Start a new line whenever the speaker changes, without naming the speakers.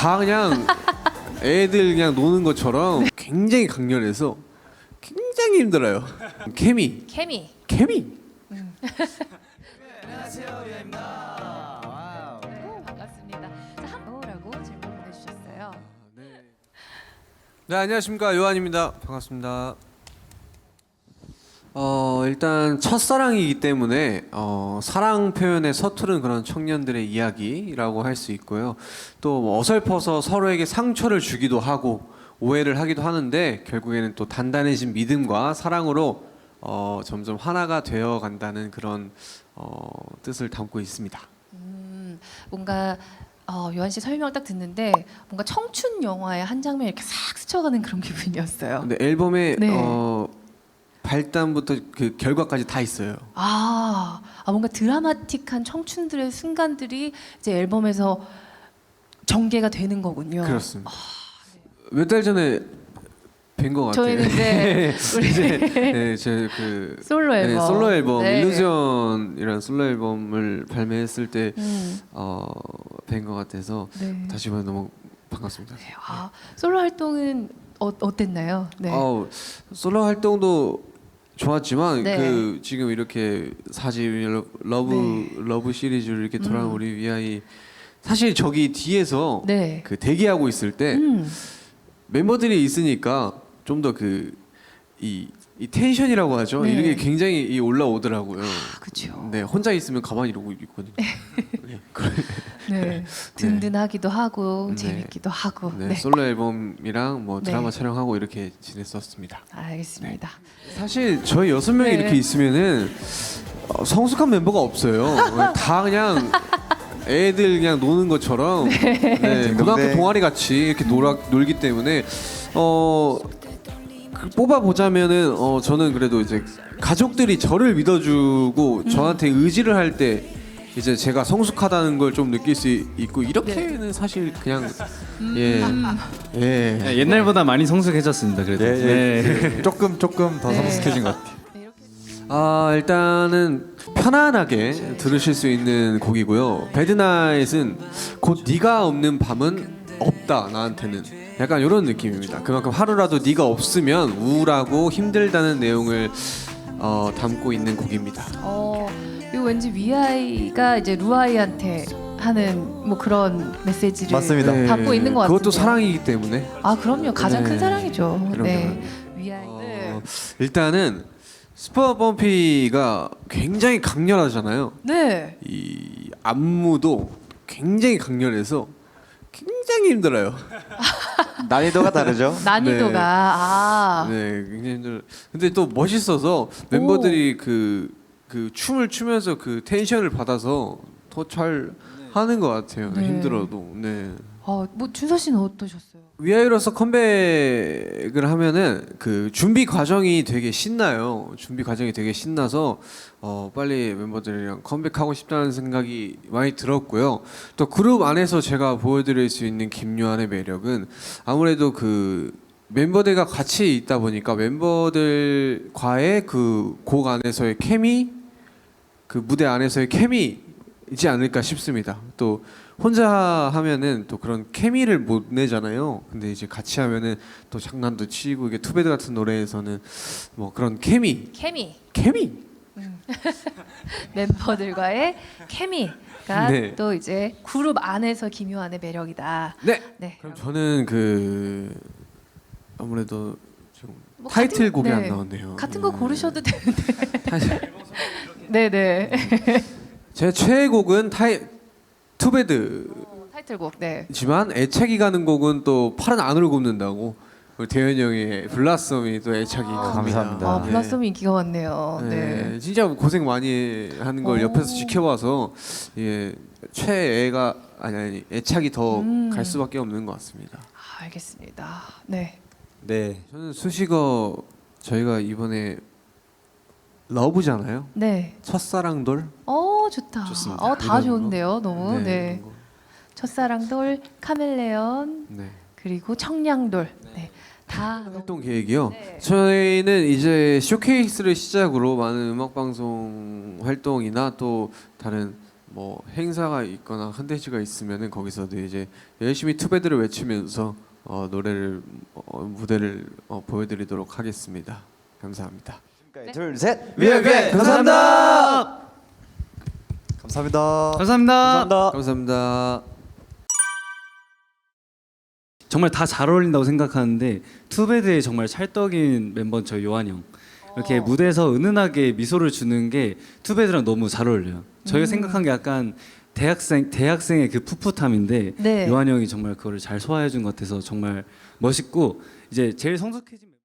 다 그냥 애들 그냥 노는 것처럼 굉장히 강렬해서 굉장히 힘들어요. 케미.
안녕하세요, 유아입니다. 반갑습니다. 자, 뭐라고 질문 보내주셨어요?
네, 안녕하십니까, 요한입니다. 반갑습니다. 일단 첫사랑이기 때문에 사랑 표현에 서투른 그런 청년들의 이야기라고 할 수 있고요. 또뭐 어설퍼서 서로에게 상처를 주기도 하고 오해를 하기도 하는데 결국에는 또 단단해진 믿음과 사랑으로 점점 하나가 되어 간다는 그런 뜻을 담고 있습니다.
뭔가 요한 씨 설명 딱 듣는데 뭔가 청춘 영화의 한 장면 이렇게 싹 스쳐가는 그런 기분이었어요.
근데 앨범에
네.
발단부터 그 결과까지 다 있어요.
뭔가 드라마틱한 청춘들의 순간들이 이제 앨범에서 전개가 되는 거군요.
그렇습니다. 몇 달 전에 뵌 것 같아요.
저희는 네, 우리
제그
솔로 앨범,
솔로 앨범
네.
일루전이라는 솔로 앨범을 발매했을 때 뵌 것 같아서
네.
다시 한번 너무 반갑습니다.
솔로 활동은 어땠나요? 네.
솔로 활동도 좋았지만
네.
그 지금 이렇게 사집 러브 시리즈를 이렇게 돌아온 우리 위아이 사실 저기 뒤에서
네.
그 대기하고 있을 때 멤버들이 있으니까 좀 더 이 텐션이라고 하죠.
네.
이게 굉장히 올라오더라고요.
그렇죠.
네, 혼자 있으면 가만히 이러고 있거든요.
네. 든든하기도 하고
네.
재밌기도 하고.
네,
네.
솔로 앨범이랑 뭐 드라마
네.
촬영하고 이렇게 지냈었습니다.
알겠습니다.
사실 저희 6명이
네.
이렇게 있으면은 성숙한 멤버가 없어요. 다 그냥 애들 그냥 노는 것처럼 네, 고등학교 동아리 같이 이렇게 놀기 때문에 뽑아 보자면은 저는 그래도 이제 가족들이 저를 믿어주고 저한테 의지를 할 때 이제 제가 성숙하다는 걸 좀 느낄 수 있고 이렇게는 사실 그냥 예.
네, 옛날보다 많이 성숙해졌습니다. 그래도 네.
조금 더 성숙해진 것 같아요.
일단은 편안하게 들으실 수 있는 곡이고요. 배드나잇은 곧 네가 없는 밤은 없다 나한테는 약간 이런 느낌입니다. 그만큼 하루라도 네가 없으면 우울하고 힘들다는 내용을 담고 있는 곡입니다.
이거 왠지 위아이가 이제 루아이한테 하는 뭐 그런 메시지를
맞습니다.
담고 있는 것 같아요.
그것도 사랑이기 때문에.
그럼요. 가장
네.
큰 사랑이죠.
그럼요.
네. 위아이. 네.
일단은 슈퍼범피가 굉장히 강렬하잖아요.
네.
이 안무도 굉장히 강렬해서 굉장히 힘들어요.
난이도가 다르죠.
난이도가
네, 굉장히 힘들어요. 근데 또 멋있어서 멤버들이 그 춤을 추면서 그 텐션을 받아서 더 잘 하는 것 같아요.
네.
힘들어도. 네.
뭐 준서 씨는 어떠셨어요?
위아이로서 컴백을 하면은 그 준비 과정이 되게 신나요. 준비 과정이 되게 신나서 빨리 멤버들이랑 컴백하고 싶다는 생각이 많이 들었고요. 또 그룹 안에서 제가 보여드릴 수 있는 김요한의 매력은 아무래도 그 멤버들과 같이 있다 보니까 멤버들과의 그 곡 안에서의 케미, 그 무대 안에서의 케미이지 않을까 싶습니다. 또 혼자 하면은 또 그런 케미를 못 내잖아요. 근데 이제 같이 하면은 또 장난도 치고 이게 투베드 같은 노래에서는 뭐 그런 케미.
멤버들과의 케미가
네.
또 이제 그룹 안에서 김요한의 매력이다.
네.
네.
그럼 저는 그 아무래도 지금
뭐
타이틀곡이
같은-
안
네.
나왔네요.
같은 거 고르셔도 되는데.
타이틀.
네네.
제 최애곡은 투베드.
타이틀곡. 네.
지만 애착이 가는 곡은 또 팔은 안으로 굽는다고 우리 대현이 형의 블라썸이 또 애착이 갑니다.
감사합니다.
네.
블라썸 인기가 많네요. 네.
네, 진짜 고생 많이 하는 걸 옆에서 지켜봐서 예, 최애가 아니 애착이 더 갈 수밖에 없는 것 같습니다.
알겠습니다. 네.
네.
저는 수식어 저희가 이번에 러브잖아요.
네.
첫사랑돌.
좋다.
좋습니다.
다
이런
좋은데요. 너무. 네.
이런 거.
첫사랑돌, 카멜레온,
네.
그리고 청량돌. 네. 다
활동 계획이요.
네.
저희는 이제 쇼케이스를 시작으로 많은 음악 방송 활동이나 또 다른 뭐 행사가 있거나 컨텐츠가 있으면은 거기서도 이제 열심히 투배들을 외치면서 노래를 무대를 보여드리도록 하겠습니다. 감사합니다.
네.
둘, 셋.
위아게
감사합니다. 감사합니다.
감사합니다.
감사합니다.
감사합니다.
정말 다 잘 어울린다고 생각하는데 투베드의 정말 찰떡인 멤버는 저희 요한 형. 이렇게 무대에서 은은하게 미소를 주는 게 투베드랑 너무 잘 어울려요. 저희가 생각한 게 약간 대학생의 그 풋풋함인데
네.
요한 형이 정말 그거를 잘 소화해 준 것 같아서 정말 멋있고 이제 제일 성숙해진